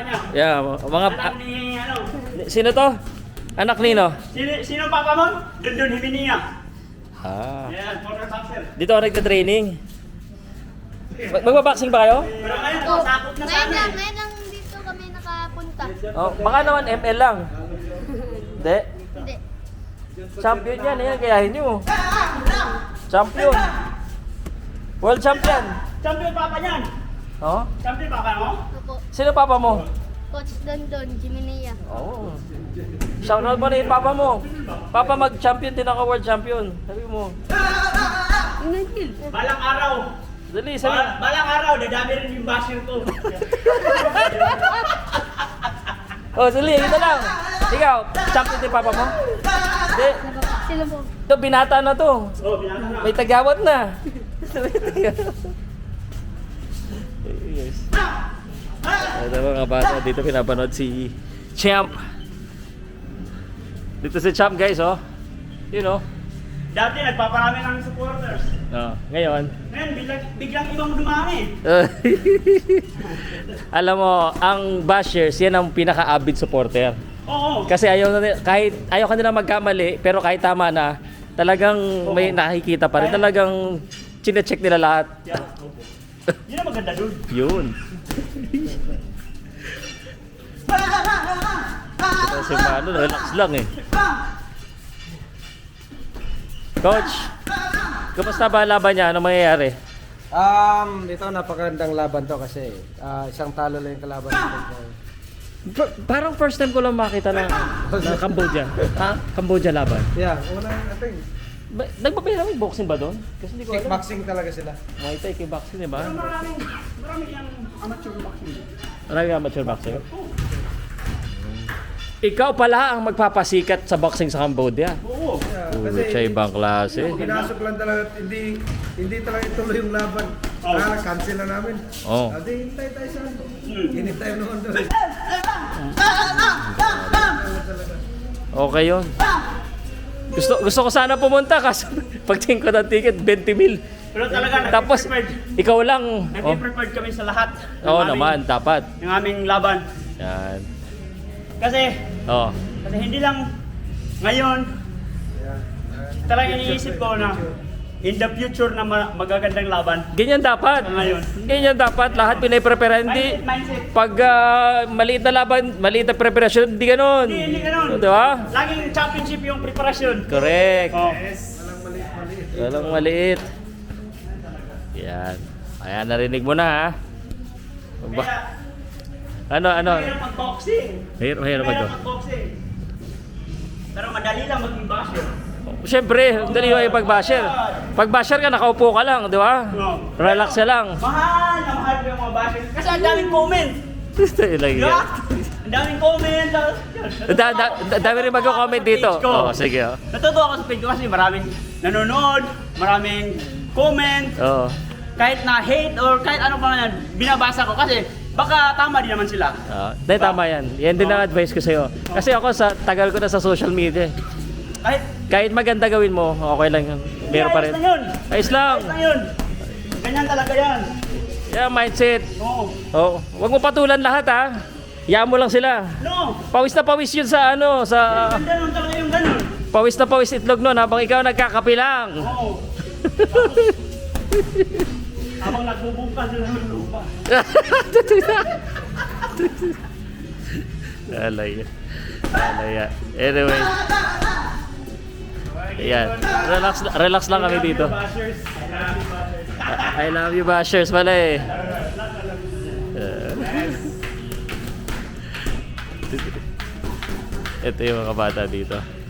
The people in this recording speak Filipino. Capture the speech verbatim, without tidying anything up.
niya. Yeah, mga... Anak ni, ano? Sino to? Anak nino? Sino, sino papa mo? Dundun Himinia. Ah. Yan, former boxer. Dito ako nagka-training. Mag- Magbaboxing ba kayo? Pero ngayon, nakasakop na Ngayon sana lang, eh. ngayon lang dito kami nakapunta. Oh, baka naman M L lang. Hindi. Hindi. Champion yan, yan. Kayahin nyo. Champion. World champion. Champion papa niyan. Oh? Champion papa mo? Opo. Sino papa mo? Coach Dondon, Jiminia. Oh. Shoutout mo na yung papa mo. Papa, mag-champion din ako, world champion. Sabi mo. Balang araw. Dali, sabi. Bal- balang araw, dadami rin yung basher ko. Oh, dali, ito lang. Ikaw, champion din papa mo? Hindi. Sino po? Ito, binata na to. Oh, binata na. May tagawat na. Yes. Ito mga bata, dito pinapanood si Champ. Dito si Champ guys, oh. You know. Dati nagpaparami ng supporters. Oh, ngayon. Ngayon, biglang, biglang ibang dumami. Alam mo, ang bashers, yan ang pinaka-avid supporter. Oo. Kasi ayaw na nila- kahit ayaw kanila magkamali, pero kahit tama na, talagang may nakikita pa rin. Talagang chine-check nila lahat. Yeah. Yun ang maganda dun. Yun. Ito si Mano, relax lang eh. Coach, kumusta ba ang laban niya? Anong mangyayari? Um, ito napakagandang laban to kasi ah, isang talo lang yung kalaban natin. Pa- parang first time ko lang makita ng, ng Cambodia. Ha? Cambodia laban. Yeah, unang ating Ba- Nagpapahirap yung boxing ba doon? Kasi hindi ko alam. kickboxing talaga sila. Muay Thai, kickboxing, di ba? Pero maraming, maraming yung amateur boxing. Maraming amateur boxing. Ikaw pala ang magpapasikat sa boxing sa Cambodia. Oo. Yeah, Uy, siya ibang klase. pinasok lang talaga, hindi hindi talaga ituloy yung laban. Oh. Ah, cancel na namin. Oh. Adi, hintay tayo sa ano. Hmm. Hinit tayo noon doon. Okay yun. Gusto gusto ko sana pumunta kasi pagtingin ko ng ticket, twenty mil. Pero talaga, Tapos, nag-prepared. ikaw lang. Oh. Nag-prepared kami sa lahat. ng Oo aming- naman, dapat. Ng aming laban. Yan. Kasi, Oh. kasi hindi lang ngayon, talaga iniisip ko na in the future na ma- magagandang laban. Ganyan dapat. Sa ngayon. Ganyan dapat. Lahat pinaprepare. Hindi. Mindset, mindset. Pag ah, maliit na laban, maliit na preparasyon, hindi ganun. Hindi, hindi ganun. Di ba? Laging championship yung preparasyon. Correct. Oh. Walang maliit. Yan. Ayan, narinig mo na ha. Ba- Kaya, ano, ano? mahirap mag-boxing. Mahirap, mahirap ba ito? Mahirap mag-boxing. Pero madali lang maging basher. Siyempre, dali yung pag-basher. Pag-basher ka, nakaupo ka lang, di ba? No. Relax ka lang. Mahal na mahal ko yung mga basher. Kasi ang daming comment. Ilang Di yan. ba? Ang daming comment. Da, da, da, dami rin mag-comment dito. Page ko. Oo, sige. Oh. Natutuwa ako sa page ko kasi maraming nanonood, maraming comment, Oo. kahit na hate or kahit ano pa yan, binabasa ko kasi baka tama din naman sila. Ah, Dahil tama yan. Yan din ang advice ko sa'yo. Kasi ako, sa tagal ko na sa social media. Kahit Kahit maganda gawin mo, okay lang yun. Meron pa rin. ayos na yun. Ayos lang. Ayos na yun. Ganyan talaga yan. Yeah, mindset. Oo. Oh, wag mo patulan lahat ha. Yaan mo lang sila. No. Pawis na pawis yun sa ano, sa Ganda nun talaga yung ganun. pawis na pawis itlog nun habang ikaw nagkakape lang. Oo. Habang nagbubungkas sila ng lupa. Alay. Alay. Anyway. Ayan. Relax, relax lang kami dito. Bashers. I love you, bashers pala eh. Uh, ito yung mga bata dito.